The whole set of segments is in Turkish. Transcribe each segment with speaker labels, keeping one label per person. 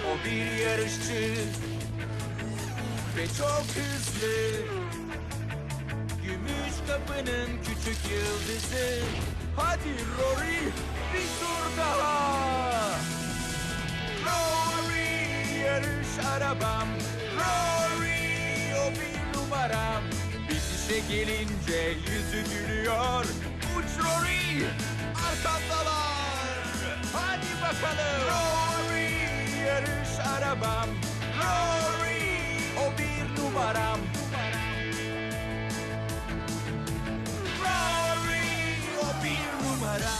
Speaker 1: O bir yarışçı ve çok hızlı. Gümüş kapının küçük yıldızı. Hadi Rory, bir tur daha. Rory, yarış arabam. Rory, o bir numaram. Bitişe gelince yüzü gülüyor. Uç Rory, arkandalar. Hadi bakalım. Rory, yarış arabam. Rory, o bir numaram. Rory, o bir numara.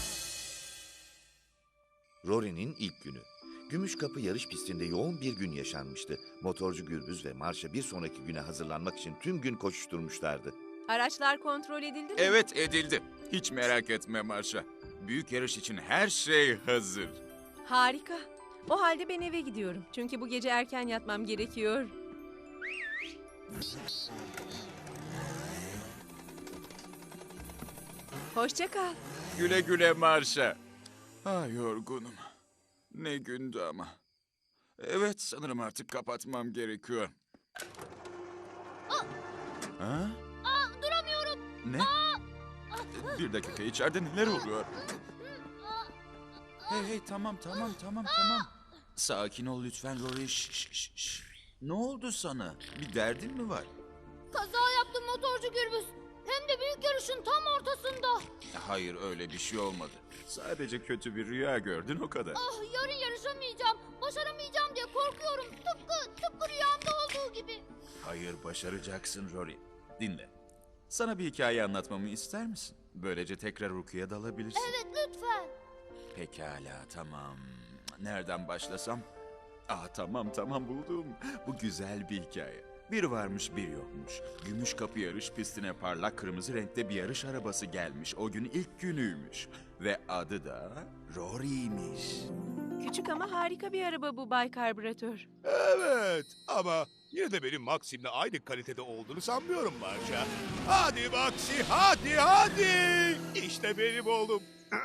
Speaker 2: Rory'nin ilk günü. Gümüşkapı yarış pistinde yoğun bir gün yaşanmıştı. Motorcu Gürbüz ve Marşa bir sonraki güne hazırlanmak için tüm gün koşuşturmuşlardı.
Speaker 3: Araçlar kontrol edildi mi?
Speaker 4: Evet, edildi. Hiç merak etme Marşa. Büyük yarış için her şey hazır.
Speaker 3: Harika. O halde ben eve gidiyorum. Çünkü bu gece erken yatmam gerekiyor. Hoşça kal.
Speaker 4: Güle güle Marşa. Ah, yorgunum. Ne gündü ama. Evet, sanırım artık kapatmam gerekiyor. Ha?
Speaker 5: Duramıyorum.
Speaker 4: Ne? Bir dakika, içeride neler oluyor? Hey, tamam. Sakin ol lütfen Rory. Şş. Ne oldu sana? Bir derdin mi var?
Speaker 5: Kaza yaptım motorcu Gürbüz. Hem de büyük yarışın tam ortasında.
Speaker 4: Hayır, öyle bir şey olmadı. Sadece kötü bir rüya gördün, o kadar.
Speaker 5: Yarın yarışamayacağım. Başaramayacağım diye korkuyorum. Tıpkı rüyamda olduğu gibi.
Speaker 4: Hayır, başaracaksın Rory. Dinle. Sana bir hikaye anlatmamı ister misin? Böylece tekrar uykuya dalabilirsin.
Speaker 5: Evet, lütfen.
Speaker 4: Pekala, tamam. Nereden başlasam? Tamam buldum. Bu güzel bir hikaye. Bir varmış bir yokmuş. Gümüşkapı yarış pistine parlak kırmızı renkte bir yarış arabası gelmiş. O gün ilk günüymüş. Ve adı da Rory'ymiş.
Speaker 3: Küçük ama harika bir araba bu Bay Karbüratör.
Speaker 6: Evet ama yine de benim Maxim'le aynı kalitede olduğunu sanmıyorum Marşa. Hadi Maxi, hadi! İşte benim oğlum.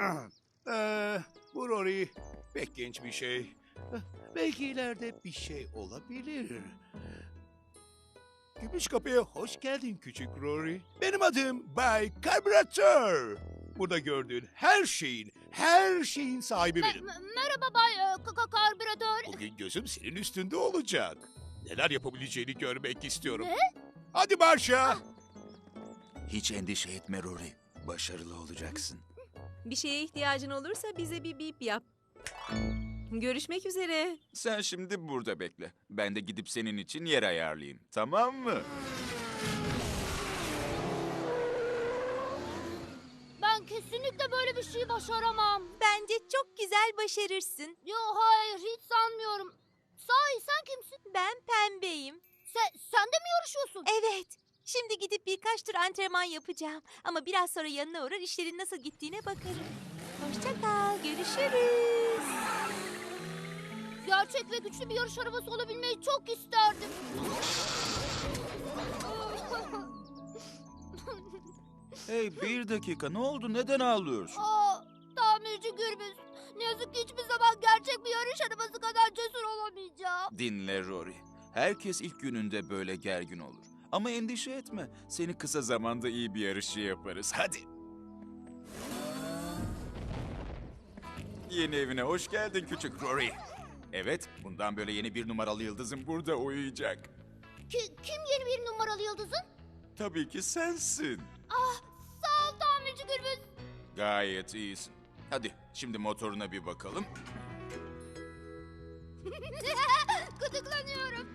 Speaker 6: Bu Rory pek genç bir şey. Belki ileride bir şey olabilir. Gümüşkapı'ya hoş geldin küçük Rory. Benim adım Bay Karbüratör. Burada gördüğün her şeyin sahibi benim.
Speaker 5: Merhaba Bay Karbüratör.
Speaker 6: Bugün gözüm senin üstünde olacak. Neler yapabileceğini görmek istiyorum.
Speaker 5: Ne?
Speaker 6: Hadi Marşa.
Speaker 4: Hiç endişe etme Rory. Başarılı olacaksın.
Speaker 3: Bir şeye ihtiyacın olursa bize bir bip yap. Görüşmek üzere.
Speaker 4: Sen şimdi burada bekle. Ben de gidip senin için yer ayarlayayım. Tamam mı?
Speaker 5: Ben kesinlikle böyle bir şey başaramam.
Speaker 7: Bence çok güzel başarırsın.
Speaker 5: Yo, hayır, hiç sanmıyorum. Sahi sen kimsin?
Speaker 7: Ben pembeyim.
Speaker 5: Sen de mi yarışıyorsun?
Speaker 7: Evet. Şimdi gidip birkaç tur antrenman yapacağım. Ama biraz sonra yanına uğrar işlerin nasıl gittiğine bakarım. Hoşça kal. Görüşürüz.
Speaker 5: Gerçek ve güçlü bir yarış arabası olabilmeyi çok isterdim.
Speaker 4: Hey, bir dakika. Ne oldu? Neden ağlıyorsun?
Speaker 5: Tamirci Gürbüz. Ne yazık ki hiçbir zaman gerçek bir yarış arabası kadar cesur olamayacağım.
Speaker 4: Dinle Rory. Herkes ilk gününde böyle gergin olur. Ama endişe etme. Seni kısa zamanda iyi bir yarışçı yaparız. Hadi. Yeni evine hoş geldin küçük Rory. Evet, bundan böyle yeni bir numaralı yıldızın burada uyuyacak.
Speaker 5: Kim yeni bir numaralı yıldızın?
Speaker 4: Tabii ki sensin.
Speaker 5: Sağ ol tamirci Gürbüz.
Speaker 4: Gayet iyisin. Hadi şimdi motoruna bir bakalım.
Speaker 5: Gıdıklanıyorum.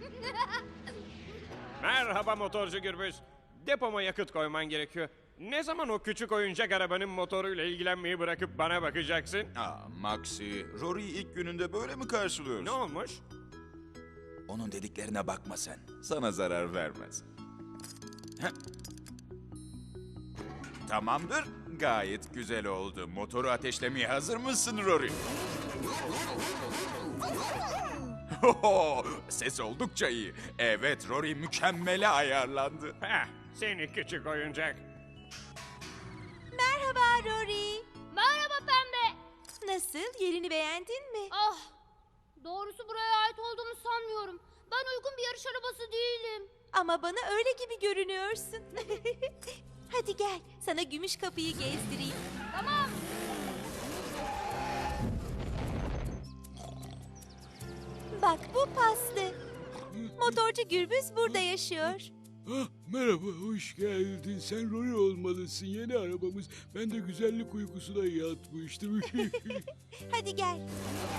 Speaker 8: Merhaba motorcu Gürbüz. Depoma yakıt koyman gerekiyor. Ne zaman o küçük oyuncak arabanın motoruyla ilgilenmeyi bırakıp bana bakacaksın?
Speaker 4: Maxi, Rory'yi ilk gününde böyle mi karşılıyorsun?
Speaker 8: Ne olmuş?
Speaker 4: Onun dediklerine bakma sen. Sana zarar vermez. Heh. Tamamdır. Gayet güzel oldu. Motoru ateşlemeye hazır mısın Rory? Ses oldukça iyi. Evet, Rory mükemmele ayarlandı.
Speaker 8: Seni küçük oyuncak.
Speaker 7: Merhaba Rory.
Speaker 5: Merhaba Pembe.
Speaker 7: Nasıl? Yerini beğendin mi?
Speaker 5: Doğrusu buraya ait olduğumu sanmıyorum. Ben uygun bir yarış arabası değilim.
Speaker 7: Ama bana öyle gibi görünüyorsun. Hadi gel, sana gümüş kapıyı gezdireyim.
Speaker 5: Tamam.
Speaker 7: Bak bu Paslı. Motorcu Gürbüz burada yaşıyor.
Speaker 9: Ah, merhaba, hoş geldin. Sen Rory olmalısın, yeni arabamız. Ben de güzellik uykusuna yatmıştım.
Speaker 7: Hadi gel.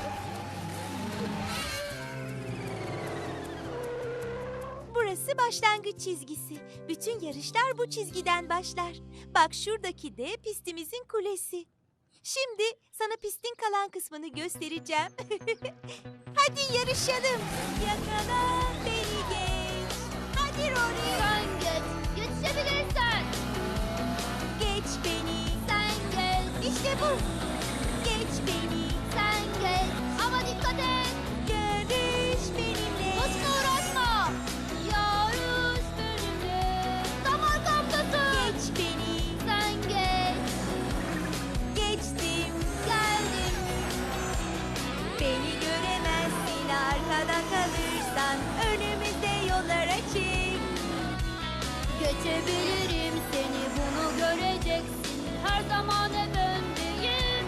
Speaker 7: Burası başlangıç çizgisi. Bütün yarışlar bu çizgiden başlar. Bak şuradaki de pistimizin kulesi. Şimdi sana pistin kalan kısmını göstereceğim. Hadi yarışalım. Yakala beni geç. Hadi Rory.
Speaker 5: Sen geç. Yetişebilirsen.
Speaker 7: Geç beni.
Speaker 5: Sen geç.
Speaker 7: İşte bu. Geç beni.
Speaker 5: Sen geç. Ama dikkat et.
Speaker 7: Yarış benimle.
Speaker 5: Boşuna uğraşma. Yarış benimle. Tam arkamdasın.
Speaker 7: Geç beni.
Speaker 5: Sen geç.
Speaker 7: Geçtim.
Speaker 5: Geldim.
Speaker 7: Beni göremezsin arkada kalırsan. Önümüzde yollar açık.
Speaker 5: Geçebilirim seni, bunu göreceksin. Her zaman hep öndeyim.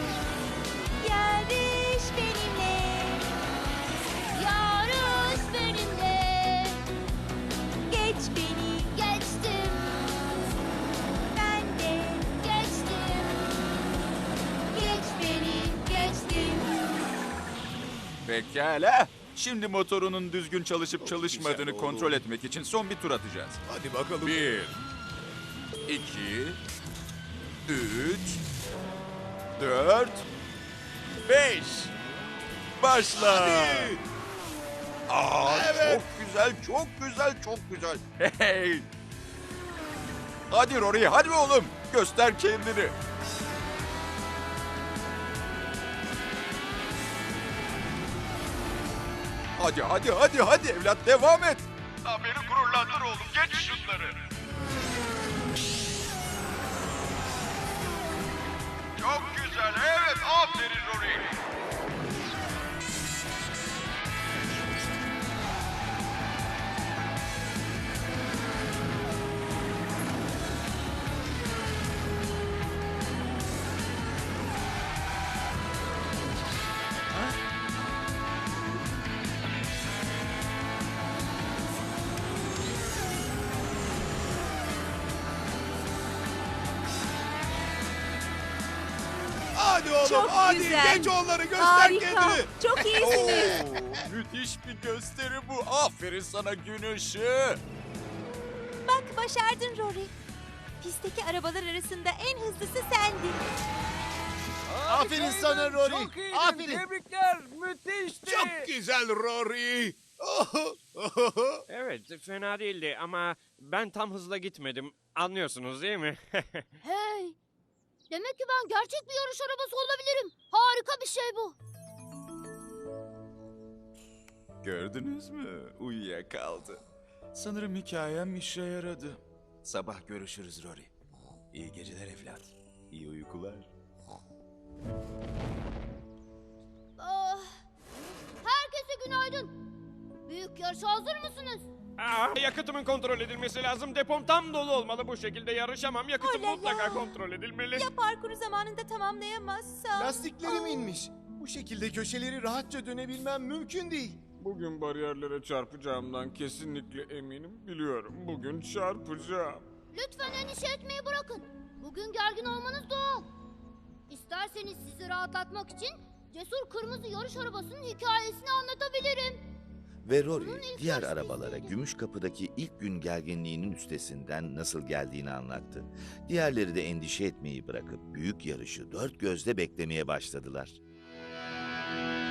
Speaker 7: Yarış benimle.
Speaker 5: Yarış benimle.
Speaker 7: Geç beni.
Speaker 5: Geçtim.
Speaker 7: Ben de.
Speaker 5: Geçtim. Geç beni. Geçtim.
Speaker 4: Pekala. Şimdi motorunun düzgün çalışıp çalışmadığını
Speaker 6: güzel oldu.
Speaker 4: kontrol etmek için son bir tur atacağız.
Speaker 6: Hadi bakalım.
Speaker 4: 1, 2, 3, 4, 5. Başla.
Speaker 6: Hadi.
Speaker 4: Çok güzel, çok güzel, çok güzel. Hey. Hadi Rory, hadi oğlum. Göster kendini. Hadi evlat, devam et. Beni gururlandır oğlum, geç şunları. Çok güzel, evet, aferin Rory.
Speaker 6: Hadi oğlum,
Speaker 3: Çok
Speaker 6: hadi
Speaker 3: güzel.
Speaker 6: geç onları, göster
Speaker 3: Harika.
Speaker 6: kendini.
Speaker 3: Çok iyisiniz.
Speaker 4: Müthiş bir gösteri bu. Aferin sana gün ışığı.
Speaker 7: Bak başardın Rory. Pistteki arabalar arasında en hızlısı sendin.
Speaker 1: Aferin sana Rory. Aferin.
Speaker 8: Tebrikler. Müthişti.
Speaker 6: Çok güzel Rory.
Speaker 8: Evet, fena değildi ama ben tam hızla gitmedim. Anlıyorsunuz değil mi?
Speaker 5: Hey. Demek ki ben gerçek bir yarış arabası olabilirim. Harika bir şey bu.
Speaker 4: Gördünüz mü? Uyuyakaldı. Sanırım hikayem işe yaradı. Sabah görüşürüz Rory. İyi geceler evlat. İyi uykular.
Speaker 5: Ah. Herkese günaydın. Büyük yarışa hazır mısınız?
Speaker 8: Yakıtımın kontrol edilmesi lazım. Depom tam dolu olmalı. Bu şekilde yarışamam. Yakıtım
Speaker 7: Olala.
Speaker 8: mutlaka kontrol edilmeli.
Speaker 7: Ya parkuru zamanında tamamlayamazsam?
Speaker 1: Lastiklerim inmiş. Bu şekilde köşeleri rahatça dönebilmem mümkün değil.
Speaker 8: Bugün bariyerlere çarpacağımdan kesinlikle eminim. Biliyorum. Bugün çarpacağım.
Speaker 5: Lütfen endişe etmeyi bırakın. Bugün gergin olmanız doğal. İsterseniz sizi rahatlatmak için cesur kırmızı yarış arabasının hikayesini anlatabilirim.
Speaker 2: Ve Rory diğer arabalara Gümüşkapı'daki ilk gün gerginliğinin üstesinden nasıl geldiğini anlattı. Diğerleri de endişe etmeyi bırakıp büyük yarışı dört gözle beklemeye başladılar.